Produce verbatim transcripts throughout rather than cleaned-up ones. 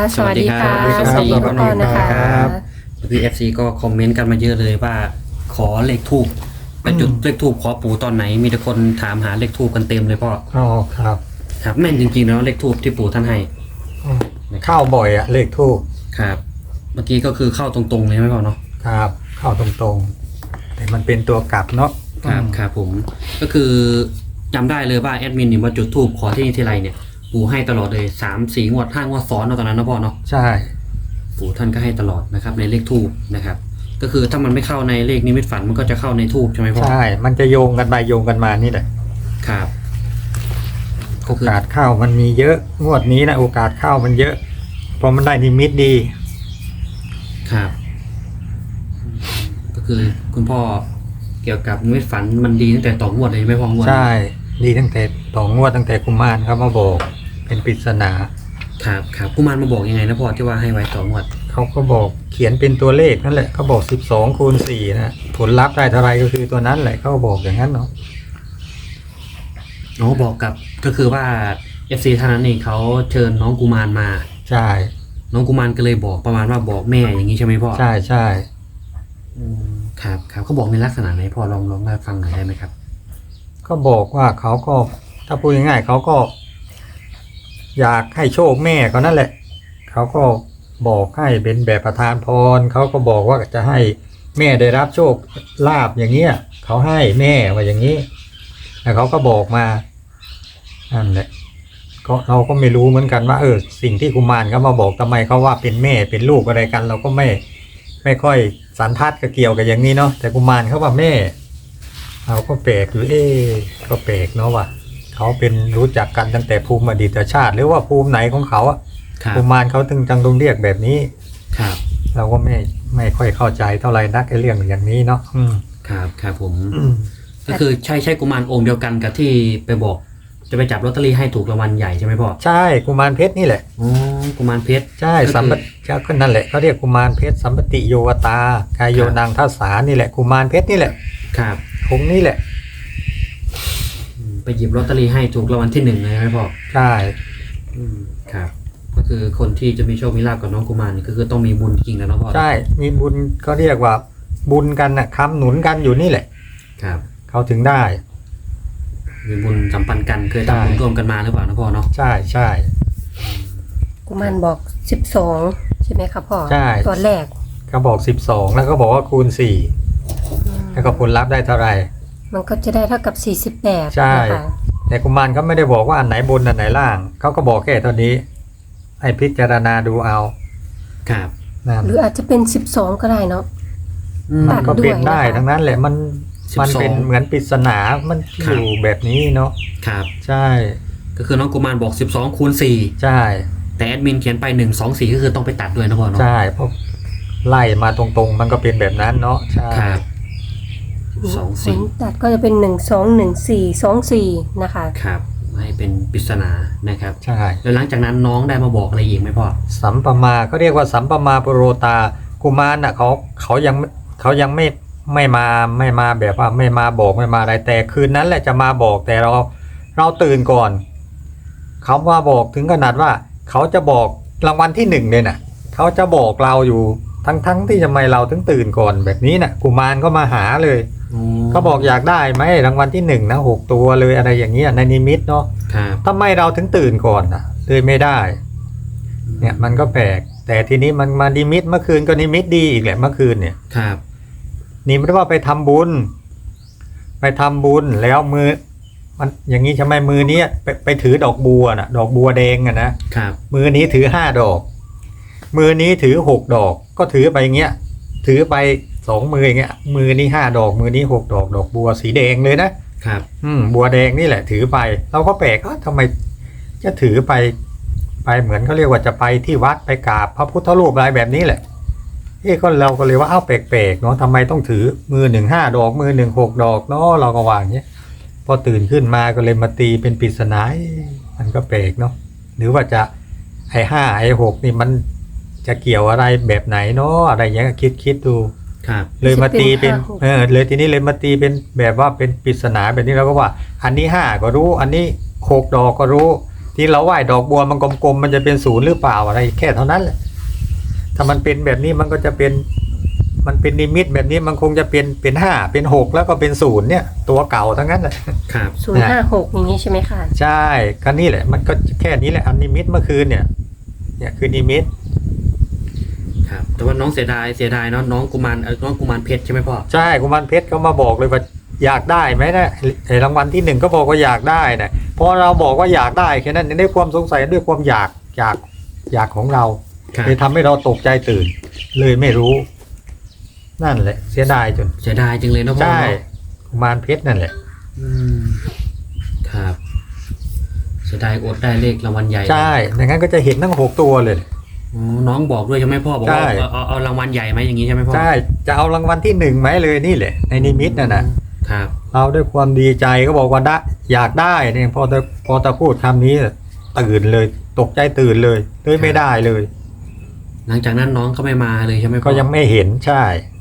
สวัสดีค่ะสวัสดีครับสวัสดีทุกคนนะคะพี่เอฟซีก็คอมเมนต์กันมาเยอะเลยว่าขอเลขทูบไปจุดเลขทูบขอปู่ตอนไหนมีแต่คนถามหาเลขทูบกันเต็มเลยพ่ออ๋อครับครับแม่นจริงๆแล้วเลขทูบที่ปู่ท่านให้อืมเข้าบ่อยอะเลขทูบครับเมื่อกี้ก็คือเข้าตรงๆเลยไหมพ่อเนาะครับ เข้าตรงๆ แต่มันเป็นตัวกลับเนาะครับอืมครับผมก็คือจำได้เลยว่าแอดมินนี่มาจุดทูบขอที่นี่ทีไรเนี่ยปู่ให้ตลอดเลยสามสี่งวดห้างวดซ้อนเนาะตอนนั้นนะพ่อเนาะใช่ปู่ท่านก็ให้ตลอดนะครับในเลขทูบนะครับก็คือถ้ามันไม่เข้าในเลขนิมิตฝันมันก็จะเข้าในทูบใช่ไหมพ่อใช่ มันจะโยงกันไปโยงกันมานี่แหละครับก็โอคือกาสเข้ามันมีเยอะงวดนี้นะโอกาสเข้ามันเยอะเพราะมันได้นิมิตดีครับก็คือคุณพ่อเกี่ยวกับนิมิตฝันมันดีตั้งแต่ต่องวดเลยใช่ไหมพ่องวดใช่ ดีตั้งแต่ต่องวดตั้งแต่กุมารเขามาบอกเป็นปริศนาครับครับกุมารมาบอกยังไงนะพ่อที่ว่าให้ไว้ต่องวดเขาก็บอกเขียนเป็นตัวเลขนั่นแหละเขาบอกสิบสองคูณสี่นะผลลัพธ์ได้เท่าไรก็คือตัวนั้นแหละเขาบอกอย่างนั้นเนาะอ๋อบอกกับก็คือว่า เอฟ ซี ท่านนั้นเองเขาเชิญน้องกุมารมาใช่น้องกุมารก็เลยบอกประมาณว่าบอกแม่อย่างนี้ใช่ไหมพ่อใช่ใช่อืมครับครับเขาบอกในลักษณะไหนพ่อลองลองมาฟังหน่อยได้ไหมครับก็บอกว่าเขาก็ถ้าพูดง่ายๆเขาก็ อยากให้โชคแม่เขานั่นแหละเขาก็บอกให้เป็นแบบประทานพรเขาก็บอกว่าจะให้แม่ได้รับโชคลาภอย่างเงี้ยเขาให้แม่ว่าอย่างนี้แล้วเขาก็บอกมานั่นแหละก็เราก็ไม่รู้เหมือนกันว่าเออสิ่งที่กุมารเขามาบอกทำไมเขาว่าเป็นแม่เป็นลูกอะไรกัน เราก็ไม่ไม่ค่อยสันทัดกับเกี่ยวกับอย่างนี้เนาะแต่กุมารเขาว่าแม่เราก็แปลกหรือเอ๊ะก็แปลกเนาะว่าเขาเป็นรู้จักกันตั้งแต่ภูมิอดีตชาติ หรือว่าภูมิไหนของเขาอะครับกุมารเขาถึงจังต้องเรียกแบบนี้ครับเราก็ไม่ไม่ค่อยเข้าใจเท่าไหร่นักไอ้เรื่องอย่างนี้เนาะอืมครับครับผมอืมก็คือใช่ใช่กุมารองค์เดียวกันกับที่ไปบอกจะไปจับลอตเตอรี่ให้ถูกรางวัลใหญ่ใช่ไหมพ่อใช่กุมารเพชรนี่แหละอ๋อกุมารเพชรใช่ก็คือสัมปติก็นั่นแหละเขาเรียกกุมารเพชรสัมปติโยวตากายโยครับนางทัสสานี่แหละกุมารเพชรนี่แหละครับองค์นี้แหละอืมไปหยิบลอตเตอรี่ให้ถูกรางวัลที่หนึ่งเลยใช่ไหมพ่อใช่อืมครับ ก็คือคนที่จะมีโชคมีลาภกับน้องกุมารนี่ก็คือต้องมีบุญจริงๆนะน้องพ่อใช่มีบุญก็เรียกว่าบุญกันนะค้ำหนุนกันอยู่นี่แหละครับเขาถึงได้มีบุญสัมพันธ์กันเคยใช่ทำบุญร่วมกันมาหรือเปล่านะพ่อเนาะใช่ใช่กุมารบอกสิบสองใช่ไหมครับพ่อใช่ตัวแรกเขาบอกสิบสองแล้วก็บอกว่าคูณสี่อืมแล้วก็ผลลัพธ์ได้เท่าไหร่มันก็จะได้เท่ากับสี่สิบแปดใช่นะคะแต่กุมารเขาไม่ได้บอกว่าอันไหนบนอันไหนล่างเขาก็บอกแค่เท่านี้ให้พิจารณาดูเอาครับนั่นหรืออาจจะเป็นสิบสองก็ได้เนาะอืมตัดก็เป็นได้ด้วยนะคะทั้งนั้นแหละมันสิบสองมันเป็นเหมือนปริศนามันครัอบ ยู่แบบนี้เนาะครับใช่ก็คือน้องกุมารบอกสิบสองคูณสี่ใช่แต่แอดมินเขียนไปหนึ่งสองสี่ก็คือต้องไปตัดด้วยนะพ่อเนาะใช่เพราะไล่มาตรงๆ มันก็เป็นแบบนั้นเนาะใช่ครับสองสี่ผลตัดก็จะเป็นหนึ่งสองหนึ่งสี่สองสี่นะคะครับให้เป็นปริศนานะครับใช่แล้วหลังจากนั้นน้องได้มาบอกอะไรอีกไหมพ่อสัมปมาเขาเรียกว่าสัมปมาปโรตากุมารน่ะเขาเขายังเขายังไม่ไม่มาไม่มาแบบว่าไม่มาบอกไม่มาอะไรแต่คืนนั้นแหละจะมาบอกแต่เราเราตื่นก่อนเขามาบอกถึงขนาดว่า เขาจะบอกรางวัลที่หนึ่งเลยน่ะเขาจะบอกเราอยู่ทั้งทั้งที่ทำไมเราถึงตื่นก่อนแบบนี้น่ะกุมารก็มาหาเลยเขาบอกอยากได้ไหมรางวัลที่หนึ่งนะหกตัวเลยอะไรอย่างเงี้ยในนิมิตเนาะครับทำไมเราถึงตื่นก่อนน่ะเลยไม่ได้ เนี่ยมันก็แปลกแต่ทีนี้มันมานิมิตเมื่อคืนก็นิมิตดีอีกแหละเมื่อคืนเนี่ยครับนิมิตว่าไปทำบุญ ไปทำบุญแล้วมือ มันอย่างนี้ใช่ไหมมือนี้ไปไปถือดอกบัวน่ะ ดอกบัวแดงอะนะครับ มือนี้ถือห้าดอก มือนี้ถือหกดอก ก็ถือไปอย่างเงี้ย ถือไปสองมืออย่างเงี้ย มือนี้ห้าดอก มือนี้หกดอก ดอกบัวสีแดงเลยนะครับ อืมบัวแดงนี่แหละ ถือไป เราก็แปลกว่าทำไมจะถือไป ไปเหมือนเขาเรียกว่าจะไปที่วัดไปกราบพระพุทธรูปอะไรแบบนี้แหละเอ้ก็เราก็เลยว่าอ้าวแปลกๆเนาะทำไมต้องถือมือหนึ่งห้าดอก มือหนึ่งหกดอกเนาะเราก็วาอย่างเงี้ยพอตื่นขึ้นมาก็เลยมาตีเป็นปริศนาเอ๊ะมันก็แปลกเนาะหรือว่าจะไอ้ห้าไอ้หกนี่มันจะเกี่ยวอะไรแบบไหนเนาะอะไรอย่างเงี้ยคิดคิดดูครับเลยมาตีเป็นจะเป็นห้าหกเออเลยทีนี้เลยมาตีเป็นแบบว่าเป็นปริศนาแบบนี้เราก็ว่า อันนี้ห้าก็รู้ อันนี้หกดอกก็รู้ที่เราไหว้ดอกบัวมันกลมๆมันจะเป็นศูนย์หรือเปล่าอะไรแค่เท่านั้นแหละถ้ามันเป็นแบบนี้มันก็จะเป็นมันเป็นนิมิตแบบนี้มันคงจะเป็นเป็นห้าเป็นหกแล้วก็เป็นศูนย์เนี่ยตัวเก่าทั้งนั้นแหละครับศูนย์ห้าหกอย่างนี้ใช่ไหมคะใช่ก็นี่แหละมันก็แค่นี้แหละอันนิมิตเมื่อคืนเนี่ยเนี่ยคือนิมิตครับ แต่ว่าน้องเสียดายเสียดายเนาะน้องกุมารเอ่อน้องกุมารเพชรใช่ไหมพ่อใช่กุมารเพชรเขามาบอกเลยว่าอยากได้ไหมนะไอ้รางวัลที่หนึ่งก็บอกว่าอยากได้นะพอเราบอกว่าอยากได้แค่นั้นด้วยความสงสัยด้วยความอยากอยากอยากของเราครับเลยทำให้เราตกใจตื่น เลยไม่รู้ นั่นแหละเสียดายจนเสียดายจริงเลยเนาะพ่อใช่เนาะกุมารเพชรนั่นแหละอืมครับเสียดายอดได้เลขรางวัลใหญ่ใช่ดังนั้นก็จะเห็นทั้งหกตัวเลยอ๋อน้องบอกด้วยใช่ไหมพ่อบอกว่าใช่เอาเอาเอารางวัลใหญ่ไหมอย่างนี้ใช่ไหมพ่อใช่จะเอารางวัลที่หนึ่งไหมเลยนี่แหละในนิมิตน่ะนะครับ เราด้วยความดีใจก็บอกว่าได้อยากได้เนี่ยพอจะพอจะพูดคำนี้ตื่นเลยตกใจตื่นเลยเลยไม่ได้เลยหลังจากนั้นน้องก็ไม่มาเลยใช่ไหมพ่อก็ยังไม่เห็นใช่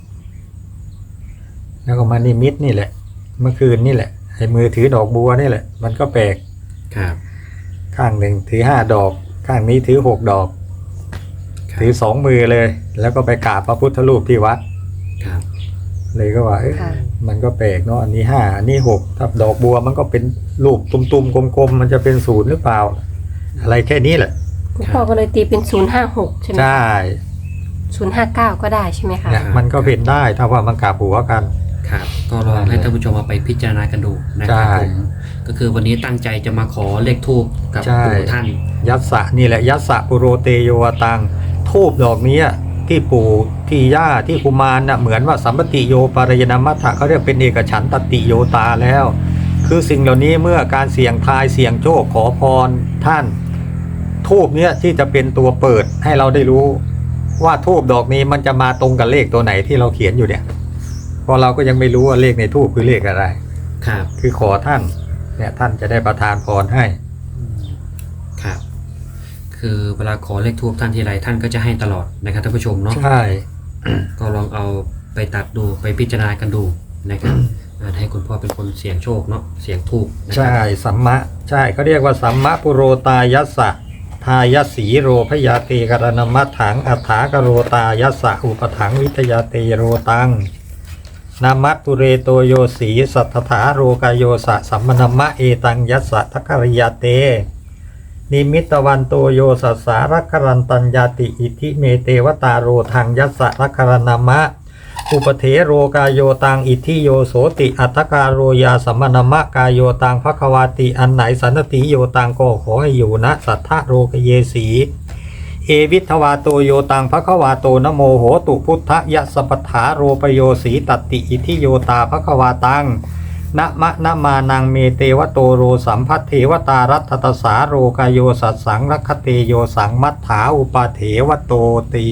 แล้วก็มานิมิตนี่แหละ เมื่อคืนนี่แหละไอ้มือถือดอกบัวนี่แหละ มันก็แปลกครับข้างหนึ่งถือห้าดอก ข้างนี้ถือหกดอกครับถือสองมือเลย แล้วก็ไปกราบพระพุทธรูปที่วัดครับเลยก็ว่าเอ๊ะค่ะมันก็แปลกเนาะอันนี้ห้าอันนี้หกถ้าดอกบัวมันก็เป็นรูปตุ่มๆกลมๆมันจะเป็นศูนย์หรือเปล่า อะไรแค่นี้แหละคุณพ่อก็เลยตีเป็นศูนย์ห้าหกใช่ไหมใช่ศูนย์ห้าเก้าก็ได้ใช่ไหมคะเนี่ยมันก็เป็นได้ถ้าว่ามันกราบหัวกันครับก็ลองให้ท่านผู้ชมเอาไปพิจารณากันดูนะคใช่รับผมก็คือวันนี้ตั้งใจจะมาขอเลขทูปกับใช่ปู่ท่านยัสสะนี่แหละยัสสะปุโรเตโยวตังทูบดอกนี้ที่ปู่ที่ย่าที่กุมารน่ะเหมือนว่าสัมปติโยปารยนามัฏฐะเขาเรียกเป็นเอกฉันตติโยตาแล้ว คือสิ่งเหล่านี้เมื่อการเสี่ยงทายเสี่ยงโชคขอพรท่านทูบเนี้ยที่จะเป็นตัวเปิดให้เราได้รู้ว่าทูบดอกนี้มันจะมาตรงกับเลขตัวไหนที่เราเขียนอยู่เนี่ยเพราะเราก็ยังไม่รู้ว่าเลขในทูบคือเลขอะไรครับคือขอท่านเนี่ยท่านจะได้ประทานพรให้ครับ คือเวลาขอเลขทูปท่านทีไรท่านก็จะให้ตลอดนะครับท่านผู้ชมเนาะใช่ก็ลองเอาไปตัดดูไปพิจารณากันดูนะครับอ่าให้คุณพ่อเป็นคนเสี่ยงโชคเนาะเสี่ยงทูปนะครัใช่สัมมะใช่เขาเรียกว่าสัมมะปุโรตายัสสะทายสีโรพยาเตกรณมัฏถังอัฏฐากโรตายัสสะอุปถังวิทยาเตโรตังนามัตตุเรโตโยสีสัทธาโรกายโยสะสัมมนมะเอตังยัสสะทัคคริยาเตนิมิตวันโตโยสัสสารักขรันตัญญาติอิทิเมเตวตาโรทังยัสสะรักขรณามะอุปเทโรกายโยตังอิทิโยโสติอัตตการโรยาสัมมนมะกายโยตังภควาติอันไหนสันติโยตังก็ขอให้อยู่ณสัทธะโรกเยสีเอวิทวาโตโยตังภควาโตนโมโหตุพุทธยสปถาโรปโยสีตัตติอิทิโยตาภควาตังนะมะนะมานังเมเตวโตโรสัมพัทเทวตารัตตสาโรกายโยสัสสังรัคเตโยสังมัฏฐาอุปาเถวโตตี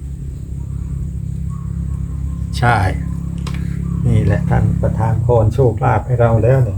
ใช่นี่แหละท่านประทานพรโชคลาภให้เราแล้วเนี่ย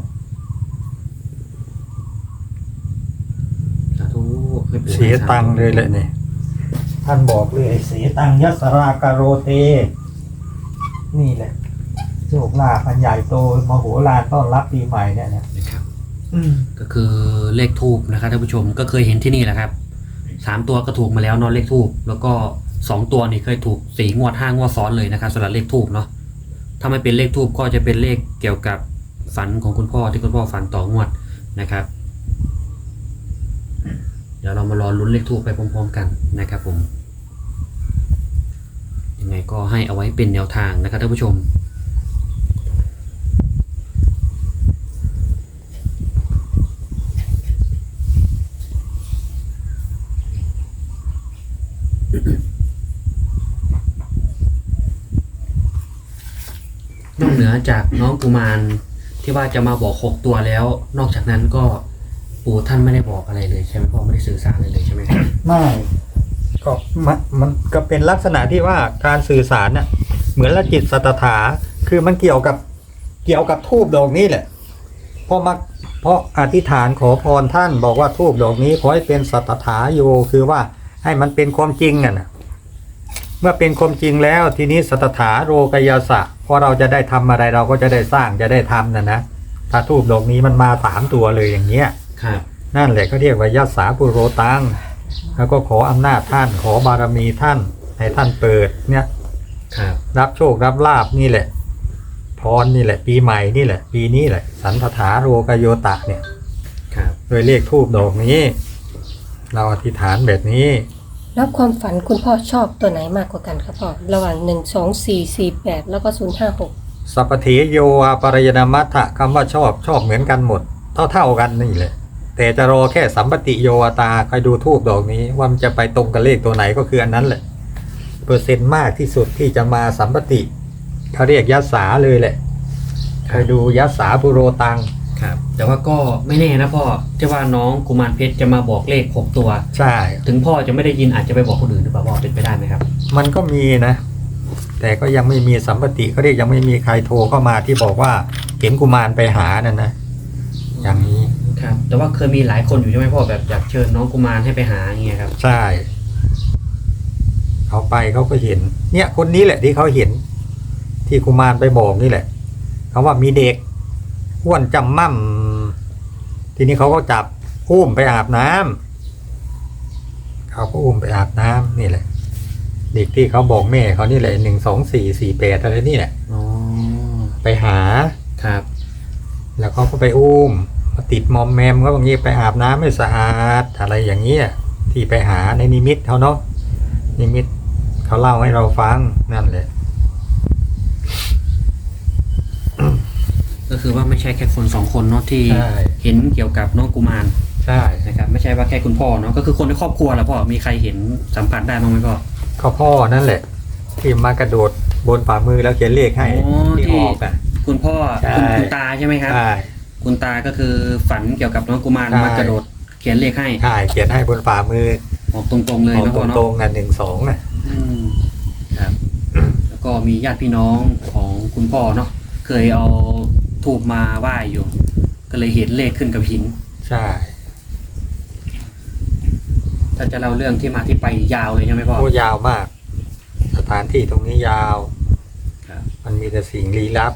สาธุให้ปู่เสียตังค์เลยแหละเนี่ยท่านบอกเลยเสียตังค์ยัสรากโรเตนี่แหละโชคลาภอันใหญ่โตมโหฬารต้อนรับปีใหม่เนี่ยนะนะครับก็คือเลขทูปนะครับท่านผู้ชมก็เคยเห็นที่นี่แหละครับสามตัวก็ถูกมาแล้วเนอะเลขทูปแล้วก็สองตัวนี่เคยถูกสี่งวดห้างวดซ้อนเลยนะครับสำหรับเลขทูปเนาะถ้าไม่เป็นเลขทูปก็จะเป็นเลขเกี่ยวกับฝันของคุณพ่อที่คุณพ่อฝันต่องวดนะครับ เดี๋ยวเรามารอลุ้นเลขทูปไปพร้อมๆกันนะครับผมยังไงก็ให้เอาไว้เป็นแนวทางนะครับท่านผู้ชม นอกเหนือจากน้องกุมารที่ว่าจะมาบอกหกตัวแล้ว นอกจากนั้นก็ปู่ท่านไม่ได้บอกอะไรเลยใช่ไหมพ่อไม่ได้สื่อสารอะไรเลยใช่ไหมครับไม่ก็มันมันก็เป็นลักษณะที่ว่าการสื่อสารน่ะเหมือนละจิตสัตถาคือมันเกี่ยวกับเกี่ยวกับทูบดอกนี้แหละเพราะมาเพราะอธิษฐานขอพรท่านบอกว่าทูบดอกนี้ขอให้เป็นสัตถาโยคือว่าให้มันเป็นความจริงน่ะนะเมื่อเป็นความจริงแล้วทีนี้สัตถาโรกยาสะพอเราจะได้ทำอะไรเราก็จะได้สร้างจะได้ทำนะนะถ้าทูบดอกนี้มันมาสามตัวเลยอย่างเงี้ยครับอนั่นแหละเขาเรียกว่ายัสสาปุโรตังแล้วก็ขออำนาจท่านขอบารมีท่านให้ท่านเปิดเนี่ยครับรับโชครับลาบนี่แหละพรนี่แหละปีใหม่นี่แหละปีนี้แหละสันทธาโรกโยตะเนี่ยครับโดยเลขทูบดอกนี้ เราอธิษฐานแบบนี้แล้วความฝันคุณพ่อชอบตัวไหนมากกว่ากันครับพ่อระหว่างหนึ่งสองสี่สี่แปดแล้วก็ศูนย์ห้าหกสัพพเทโยอาปรายนามัตถะคำว่าชอบชอบเหมือนกันหมด เท่าเท่ากันนี่แหละแต่จะรอแค่สัมปติโยตาคอยดูทูบดอกนี้ว่ามันจะไปตรงกับเลขตัวไหนก็คืออันนั้นแหละเปอร์เซ็นต์มากที่สุดที่จะมาสัมปติเขาเรียกยัสสาเลยแหละคอยดูยัสสาปุโรตังครับแต่ว่าก็ไม่แน่นะพ่อที่ว่าน้องกุมารเพชรจะมาบอกเลขหกตัวใช่ถึงพ่อจะไม่ได้ยินอาจจะไปบอกคนอื่นหรือเปล่าพ่อเป็นไปได้ไหมครับมันก็มีนะ แต่ก็ยังไม่มีสัมปติเขาเรียกยังไม่มีใครโทรเข้ามาที่บอกว่าเห็นกุมารไปหานั่นนะอย่างนี้ครับ แต่ว่าเคยมีหลายคนอยู่ใช่ไหมพ่อแบบอยากเชิญน้องกุมารให้ไปหาอย่างเงี้ยครับใช่เขาไปเขาก็เห็น เนี่ยคนนี้แหละที่เขาเห็น ที่กุมารไปบอกนี่แหละเขาว่ามีเด็กอ้วนจำมั่มทีนี้เขาก็จับอุ้มไปอาบน้ำเขาก็อุ้มไปอาบน้ำนี่แหละ เด็กที่เขาบอกแม่เขานี่แหละหนึ่งสองสี่สี่แปดอะไรนี่แหละอ๋อไปหาครับแล้วเขาก็ไปอุ้มมาติดมอมแมมก็บางทีไปอาบน้ำไม่สะอาดอะไรอย่างเงี้ยที่ไปหาในนิมิตเขาเนาะนิมิตเขาเล่าให้เราฟังนั่นแหละก็คือว่าไม่ใช่แค่คนสองคนเนาะที่ใช่เห็นเกี่ยวกับน้องกุมารใช่นะครับไม่ใช่ว่าแค่คุณพ่อเนาะก็คือคนในครอบครัวแหละพ่อมีใครเห็นสัมผัสได้บ้างไหมพ่อก็พ่อนั่นแหละ ที่มากระโดดบนฝ่ามือแล้วเขียนเลขให้อ๋อที่ที่ออกอ่ะคุณพ่อใช่คุณคุณตาใช่ไหมครับใช่คุณตาก็คือฝันเกี่ยวกับน้องกุมารใช่มากระโดดเขียนเลขให้ใช่เขียนให้บนฝ่ามือออกตรงๆเลยออกนะตพ่อเนาะรงๆอ่ะหนึ่งสองอ่ะอืมครับ แล้วก็มีญาติพี่น้องของคุณพ่อเนาะเคยเอาทูบมาไหว้อยู่ ก็เลยเห็นเลขขึ้นกับหินใช่ถ้าจะเล่าเรื่องที่มาที่ไปยาวเลยใช่ไหมพ่อโอ้ยาวมาก สถานที่ตรงนี้ยาวครับมันมีแต่สิ่งลี้ลับ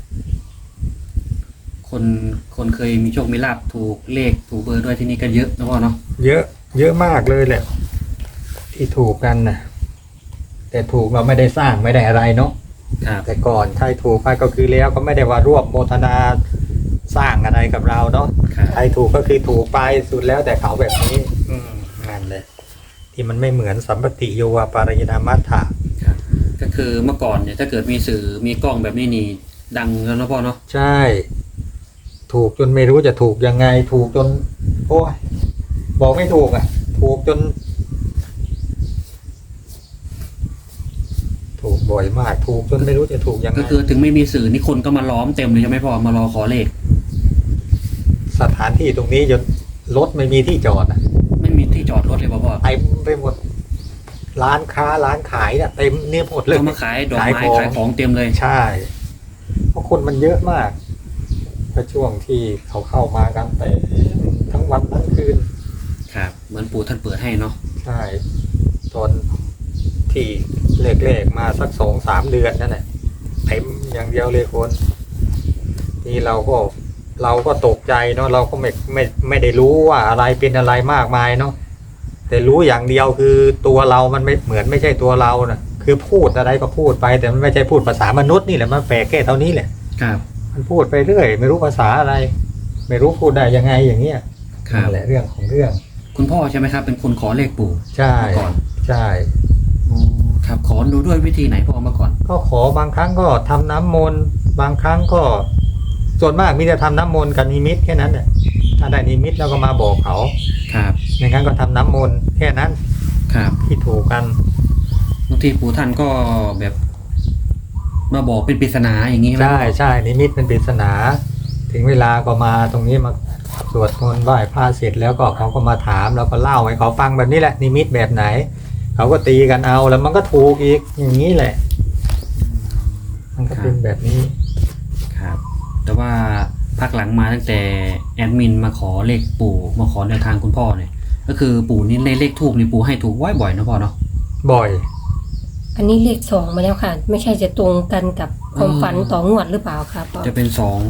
คนคนเคยมีโชคมีลาบถูกเลขถูกเบอร์ด้วยที่นี่ก็เยอะนะพ่อเนาะเยอะ เยอะมากเลยแหละ ที่ถูกกันนะแต่ถูกเราไม่ได้สร้างไม่ได้อะไรเนาะครับแต่ก่อนใครถูกไปก็คือแล้วก็ไม่ได้ว่าร่วมโมทนาสร้างอะไรกับเราเนาะครับใครถูกก็คือถูกไปสุดแล้วแต่เขาแบบนี้ อืมนั่นเลยที่มันไม่เหมือนสัมปติโยวาปารยนามัฏฐะครับก็คือเมื่อก่อนเนี่ยถ้าเกิดมีสื่อมีกล้องแบบนี้นี่ดังแล้วนะพ่อเนาะใช่ ถูกจนไม่รู้จะถูกยังไง ถูกจน โอ้ยบอกไม่ถูกอ่ะ ถูกจน ถูกบ่อยมาก ถูกจนไม่รู้จะถูกยังไงก็คือถึงไม่มีสื่อนี่คนก็มาล้อมเต็มเลยใช่ไหมพ่อมารอขอเลขสถานที่ตรงนี้จนรถไม่มีที่จอดอ่ะไม่มีที่จอดรถเลยพ่อพ่อเต็มไปหมด ร้านค้าร้านขายเนี่ยเต็มเนี่ยหมดเลยเขามาขายดอกไม้ขายของเต็มเลยใช่ เพราะคนมันเยอะมากก็ช่วงที่เขาเข้ามากันเต็มทั้งวันทั้งคืนครับเหมือนปู่ท่านเปิดให้เนาะใช่ตอนที่เลขๆมาสักสองสามเดือนนั่นแหละเต็มอย่างเดียวเลยคนนี่เราก็เราก็ตกใจเนาะเราก็ไม่ไม่ไม่ได้รู้ว่าอะไรเป็นอะไรมากมายเนาะแต่รู้อย่างเดียวคือตัวเรามันไม่เหมือนไม่ใช่ตัวเรานะคือพูดอะไรก็พูดไปแต่มันไม่ใช่พูดภาษามนุษย์นี่แหละมันแปลกแค่เท่านี้แหละครับมันพูดไปเรื่อยไม่รู้ภาษาอะไร ไม่รู้พูดได้ยังไงอย่างเงี้ยครับนั่นแหละเรื่องของเรื่องคุณพ่อใช่ไหมครับ เป็นคนขอเลขปู่ใช่เมื่อก่อนใช่อ๋อครับขอดูด้วยวิธีไหนพ่อเมื่อก่อนก็ขอบางครั้งก็ทำน้ำมนต์บางครั้งก็ ส่วนมากมีแต่ทำน้ำมนต์กับนิมิตแค่นั้นแหละถ้าได้นิมิตแล้วก็มาบอกเขาครับอย่างนั้นก็ทำน้ำมนต์แค่นั้นครับที่ถูกกันบางทีปู่ท่านก็แบบ มาบอกเป็นปริศนาอย่างนี้ไหมใช่ใช่นิมิตเป็นปริศนา ถึงเวลาก็มาตรงนี้มาสวดมนต์ไหว้พระเสร็จแล้วก็เขาก็มาถามแล้วก็เล่าให้เขาฟังแบบนี้แหละ นิมิตแบบไหน เขาก็ตีกันเอาแล้วมันก็ถูกอีกอย่างนี้แหละ มันก็เป็นแบบนี้ครับ แต่ว่าพักหลังมาตั้งแต่แอดมินมาขอเลขปู่มาขอแนวทางคุณพ่อเนี่ย ก็คือปู่นี่เลขเลขทูบนี่ปู่ให้ถูกบ่อยๆนะพ่อเนาะบ่อยอันนี้เลขสองมาแล้วค่ะ ไม่ใช่จะตรงกันกับความฝันต่องวดหรือเปล่าครับพ่อจะเป็นสอง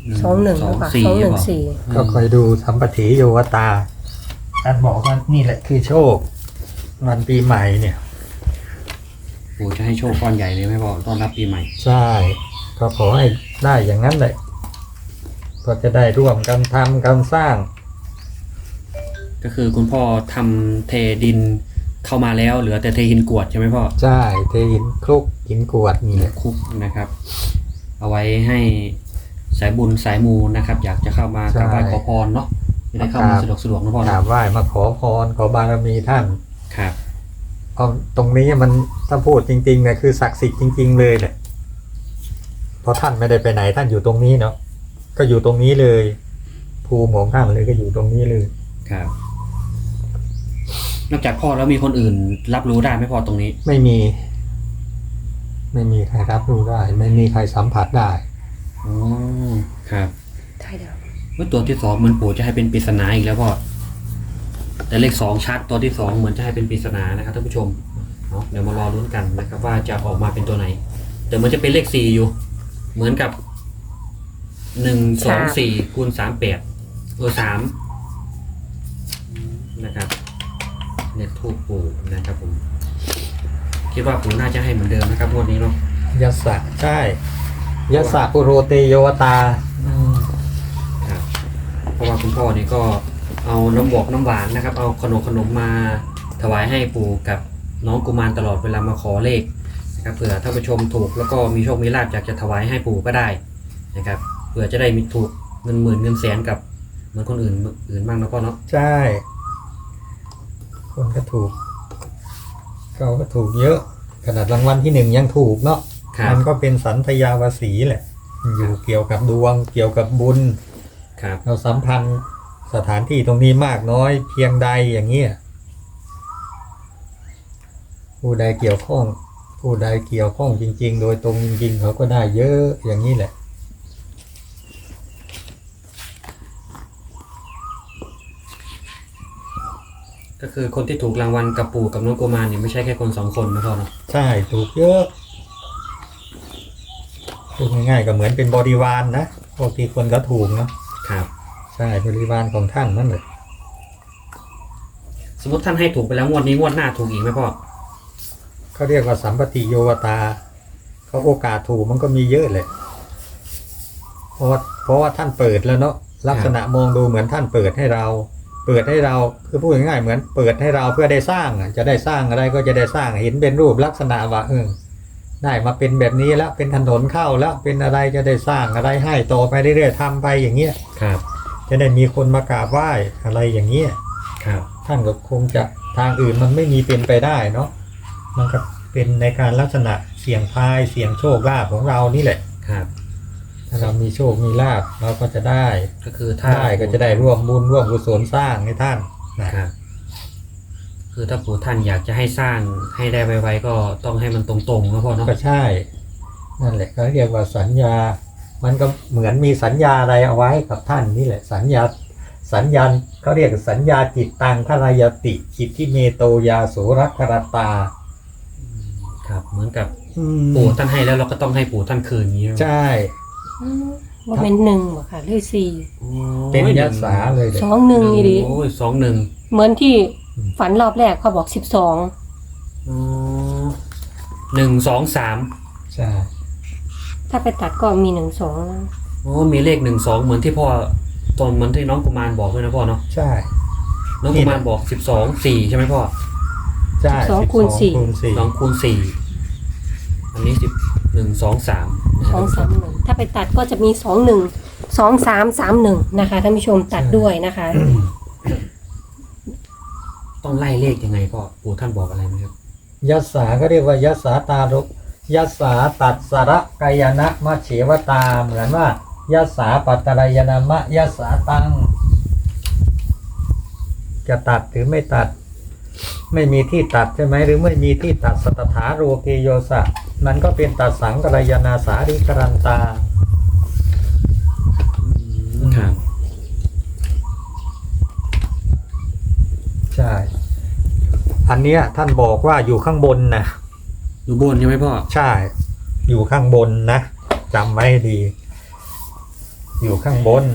สองหนึ่งสองหรือเปล่าสี่สองหนึ่งบอกสี่ก็คอยดูสัมปติโยวตาท่านบอกว่านี่แหละคือโชควันปีใหม่เนี่ยปู่จะให้โชคก้อนใหญ่เลยไหมพ่อต้อนรับปีใหม่ใช่ก็ขอให้ได้อย่างนั้นแหละก็จะได้ร่วมกันทำกันสร้างก็คือคุณพ่อทำเทดินเข้ามาแล้วเหลือแต่เทหินกรวดใช่ไหมพ่อใช่เทหินคลุกหินกรวดนี่แหละคุกนะครับ เอาไว้ให้สายบุญสายมูนะครับ อยากจะเข้ามากราบไหว้ขอพรเนาะจะได้เข้ามาสะดวกสะดวกนะพ่อกราเนาะบไหว้มาขอพรขอบารมีท่านครับเพราะตรงนี้มันถ้าพูดจริงๆเนี่ยคือศักดิ์สิทธิ์จริง ๆ เลยแหละเพราะท่านไม่ได้ไปไหนท่านอยู่ตรงนี้เนาะก็อยู่ตรงนี้เลย ภูมิของท่านเลยก็อยู่ตรงนี้เลยครับ นอกจากพ่อแล้วมีคนอื่นรับรู้ได้ไหมพ่อตรงนี้ไม่มี ไม่มีใครรับรู้ได้ ไม่มีใครสัมผัสได้อ๋อครับใช่เดี๋ยวเมื่อตัวที่สองเหมือนปู่จะให้เป็นปริศนาอีกแล้วพ่อแต่เลขสองชัดตัวที่สองเหมือนจะให้เป็นปริศนานะครับท่านผู้ชมเนาะเดี๋ยวมารอลุ้นกันนะครับ ว่าจะออกมาเป็นตัวไหนแต่มันจะเป็นเลขสี่อยู่ เหมือนกับหนึ่งสองสี่คูณสามแปดเออสามนะครับเลขทูปปู่นะครับผมคิดว่าปู่น่าจะให้เหมือนเดิมนะครับงวดนี้เนาะยัสสะใช่ ยัสสะปุโรเตโยวตาครับเพราะว่าคุณพ่อนี่ก็เอาน้ำบอกน้ำหวานนะครับ เอาขนมขนมมาถวายให้ปู่กับน้องกุมารตลอดเวลามาขอเลขนะครับเผื่อท่านผู้ชมถูกแล้วก็มีโชคมีลาภอยากจะถวายให้ปู่ก็ได้นะครับเผื่อจะได้มีถูกเงินหมื่นเงินแสนกับเหมือนคนอื่นอื่นบ้างนะพ่อเนาะใช่ คนก็ถูกเขาก็ถูกเยอะ ขนาดรางวัลที่หนึ่งยังถูกเนาะครับมันก็เป็นสันทยาวสีแหละ อยู่เกี่ยวกับดวง เกี่ยวกับบุญครับเราสัมพันธ์สถานที่ตรงนี้มากน้อยเพียงใดอย่างเงี้ย ผู้ใดเกี่ยวข้อง ผู้ใดเกี่ยวข้องจริง ๆ โดยตรงจริงๆเขาก็ได้เยอะอย่างนี้แหละก็คือคนที่ถูกรางวัลกับปู่กับน้องกุมารเนี่ยไม่ใช่แค่คนสองคนนะพ่อเนาะใช่ถูกเยอะพูดง่ายๆก็เหมือนเป็นบริวารนะพวกที่คนก็ถูกเนาะครับใช่บริวารของท่านนั่นแหละสมมติท่านให้ถูกไปแล้วงวดนี้งวดหน้าถูกอีกไหมพ่อเขาเรียกว่าสัมปติโยวตาเขาโอกาสถูกมันก็มีเยอะเลยเพราะว่าเพราะว่าท่านเปิดแล้วเนาะลักษณะมองดูเหมือนท่านเปิดให้เรา เปิดให้เราคือพูดง่ายๆเหมือนเปิดให้เราเพื่อได้สร้างอ่ะจะได้สร้างอะไรก็จะได้สร้างเห็นเป็นรูปลักษณะว่าเออได้มาเป็นแบบนี้แล้วเป็นถนนเข้าแล้วเป็นอะไรจะได้สร้างอะไรให้ต่อไปเรื่อยๆทำไปอย่างเงี้ยครับจะได้มีคนมากราบไหว้อะไรอย่างเงี้ยครับท่านก็คงจะทางอื่นมันไม่มีเป็นไปได้เนาะมันก็เป็นในการลักษณะเสี่ยงทายเสี่ยงโชคลาภของเรานี่แหละครับถ้าเรามีโชคมีลาภเราก็จะได้ก็คือถ้าได้ก็จะได้ร่วมบุญร่วมกุศลสร้างให้ท่านนะครับคือถ้าปู่ท่านอยากจะให้สร้างให้ได้ไวๆก็ต้องให้มันตรงๆนะพ่อเนาะก็ใช่ นั่นแหละก็เรียกว่าสัญญา มันก็เหมือนมีสัญญาอะไรเอาไว้กับท่านนี่แหละ สัญญาสัญญาเขาเรียกสัญญาจิตตังคารายติจิตที่เมโตยาโสรักขรตาครับ เหมือนกับอืมปู่ท่านให้แล้วเราก็ต้องให้ปู่ท่านคืนอย่างนี้ใช่อืมว่าเป็นหนึ่งบ่ค่ะเลขสี่โอ้เป็นหยงศาเลยเลยสองหนึ่งนี่ดิโอ้ยสองหนึ่งเหมือนที่ฝันรอบแรกเขาบอกสิบสองอ๋อหนึ่งสองสามใช่ถ้าไปตัดก็มีหนึ่งสองนะโอ้มีเลขหนึ่งสองเหมือนที่พ่อตอนเหมือนที่น้องกุมารบอกด้วยนะพ่อเนาะใช่น้องกุมารบอกสิบสองสี่ใช่ไหมพ่อใช่สองคูณสี่คูณสี่สองคูณสี่อันนี้สิบหนึ่งสองสามสองสามหนึ่งถ้าไปตัดก็จะมีสองหนึ่งสองสามสามหนึ่งนะคะท่านผู้ชมตัดด้วยนะคะต้องไล่เลขยังไงพ่อปู่ท่านบอกอะไรไหมครับยัสสาก็เรียกว่ายัสสาตารุยัสสาตัดสระกายนะมะเฉวตาเหมือนว่ายัสสาปัตตรายนามะยัสสาตังจะตัดหรือไม่ตัด ไม่มีที่ตัดใช่ไหมหรือไม่มีที่ตัดสัตถาโรเกโยสะมันก็เป็นตัดสังกรายนาสาริกรันตาครับใช่ อันเนี้ยท่านบอกว่าอยู่ข้างบนนะอยู่บนใช่ไหมพ่อใช่ อยู่ข้างบนนะจำไว้ให้ดีอยู่ข้างบน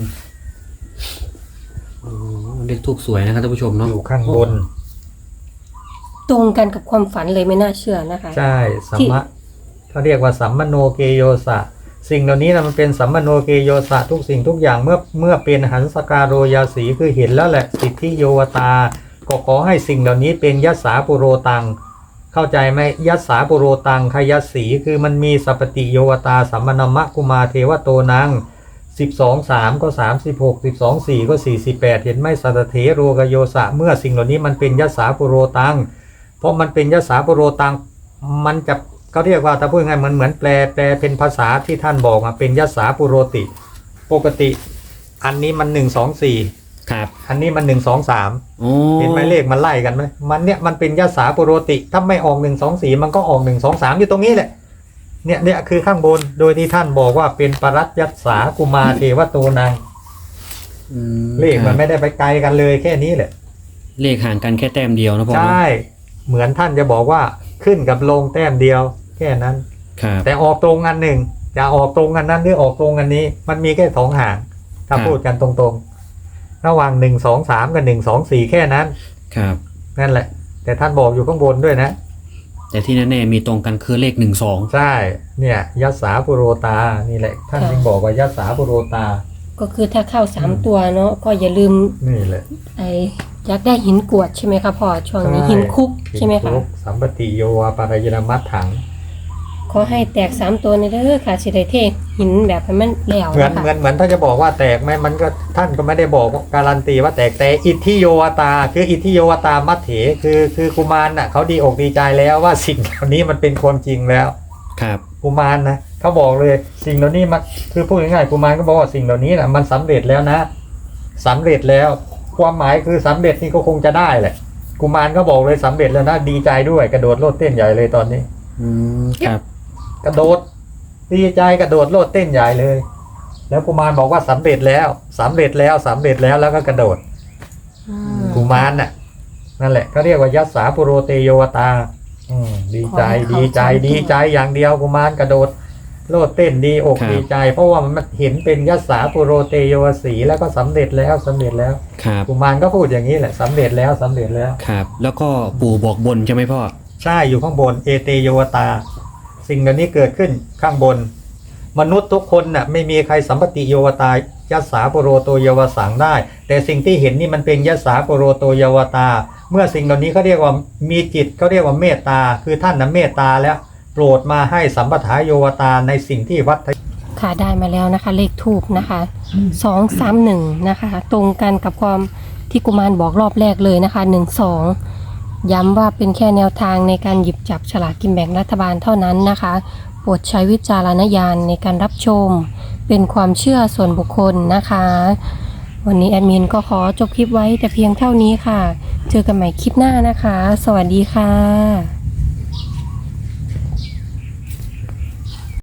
โอ้เลขทูบสวยนะครับท่านผู้ชมเนาะอยู่ข้างบนตรงกันกับความฝันเลยไม่น่าเชื่อนะคะใช่สัมมะเขาเรียกว่าสัมมโนเกโยสะสิ่งเหล่านี้นะมันเป็นสัมมโนเกโยสะทุกสิ่งทุกอย่างเมื่อเมื่อเป็นหันสการโรยาสีคือเห็นแล้วแหละสิทธิโยวตาก็ขอให้สิ่งเหล่านี้เป็นยัสสาปุโรตังเข้าใจไหมยัสสาปุโรตังขยัสสีคือมันมีสัพปติโยวตาสัมมนมะกุมาเทวโตนังสิบสองสามก็สามสิบหกสิบสองสี่ก็สี่สิบแปดเห็นไหมสัตเถโรกโยสะเมื่อสิ่งเหล่านี้มันเป็นยัสสาปุโรตังเพราะมันเป็นยัสสาปุโรตังมันจะเขาเรียกว่าถ้าพูดง่ายมันเหมือนแปลแปลเป็นภาษาที่ท่านบอกมาเป็นยัสสาปุโรติปกติอันนี้มันหนึ่งสองสี่ครับอันนี้มันหนึ่งสองสามโอ้เห็นไหมเลขมันไล่กันไหมมันเนี่ยมันเป็นยัสสาปุโรติถ้าไม่ออกหนึ่งสองสี่มันก็ออกหนึ่งสองสามอยู่ตรงนี้แหละเนี่ยเนี่ยคือข้างบนโดยที่ท่านบอกว่าเป็นปรัตยัสสากุมารเทวโตนังอืมเลขมันครับไม่ได้ไปไกลกันเลยแค่นี้แหละเลขห่างกันแค่แต้มเดียวนะพ่อใชเนาะ่เหมือนท่านจะบอกว่าขึ้นกับลงแต้มเดียวแค่นั้นครับแต่ออกตรงอันหนึ่งจะออกตรงอันนั้นหรือออกตรงอันนี้ มันมีแค่สองห่างถ้าพูดกันตรงๆระหว่างหนึ่งสองสามกับหนึ่งสองสี่แค่นั้นครับนั่นแหละ แต่ท่านบอกอยู่ข้างบนด้วยนะแต่ที่แน่ๆมีตรงกันคือเลขหนึ่งสองใช่เนี่ยยัสสาปุโรตานี่แหละ ท่านค่ะจึงบอกว่ายัสสาปุโรตาก็คือถ้าเข้าสามตัวเนาะก็อย่าลืมนี่แหละไอ้อยากได้หินกรวดใช่ไหมคะพ่อช่วงนี้หินคุกใช่ไหมคะหินคุกสัมปติโยวาปารายนามัตถังขอให้แตกสามตัวในเด้อค่ะสิได้เทหินแบบให้มันแล้วเหมือนนะคะเหมือนเหมือนถ้าจะบอกว่าแตกไหมมันก็ท่านก็ไม่ได้บอกการันตีว่าแตกแต่อิทธิโยวตา คืออิทธิโยวตามัตเถคือคือกุมารน่ะเขาดีอกดีใจแล้วว่าสิ่งเหล่านี้มันเป็นความจริงแล้วครับกุมารนะเขาบอกเลยสิ่งเหล่านี้มันคือพูดง่ายๆกุมารก็บอกว่าสิ่งเหล่านี้นะมันสำเร็จแล้วนะสำเร็จแล้ว ความหมายคือสำเร็จนี่ก็คงจะได้แหละกุมารก็บอกเลยสำเร็จแล้วนะดีใจด้วยกระโดดโลดเต้นใหญ่เลยตอนนี้อืมครับกระโดดดีใจกระโดดโลดเต้นใหญ่เลย แล้วกุมารบอกว่าสำเร็จแล้วสำเร็จแล้วสำเร็จแล้วแล้วก็กระโดดอืมกุมารน่ะนั่นแหละเขาเรียกว่ายัสสาปุโรเตโยวตาอืมดีใจดีใจดีใจอย่างเดียวกุมารกระโดดโลดเต้นดีอกดีใจ เพราะว่ามันเห็นเป็นยัสสาปุโรเตโยวสีแล้วก็สำเร็จแล้วสำเร็จแล้วครับกุมารก็พูดอย่างนี้แหละสำเร็จแล้วสำเร็จแล้วครับ แล้วก็ปู่บอกบนใช่ไหมพ่อใช่อยู่ข้างบนเอเตโยวตา สิ่งเหล่านี้เกิดขึ้นข้างบน มนุษย์ทุกคนน่ะไม่มีใครสัมปติโยวตายัสสาปุโรโตเยวสังได้ แต่สิ่งที่เห็นนี่มันเป็นยัสสาปุโรโตเยวตา เมื่อสิ่งเหล่านี้เขาเรียกว่ามีจิตเขาเรียกว่าเมตตา คือท่านน่ะเมตตาแล้วโปรดมาให้สัมปทาโยวตาในสิ่งที่วัดค่ะได้มาแล้วนะคะ เลขทูบนะคะสองสามหนึ่งนะคะ ตรงกันกับความที่กุมารบอกรอบแรกเลยนะคะหนึ่งสองย้ำว่าเป็นแค่แนวทางในการหยิบจับฉลากกินแบ่งรัฐบาลเท่านั้นนะคะโปรดใช้วิจารณญาณในการรับชมเป็นความเชื่อส่วนบุคคลนะคะ วันนี้แอดมินก็ขอจบคลิปไว้แต่เพียงเท่านี้ค่ะ เจอกันใหม่คลิปหน้านะคะ สวัสดีค่ะ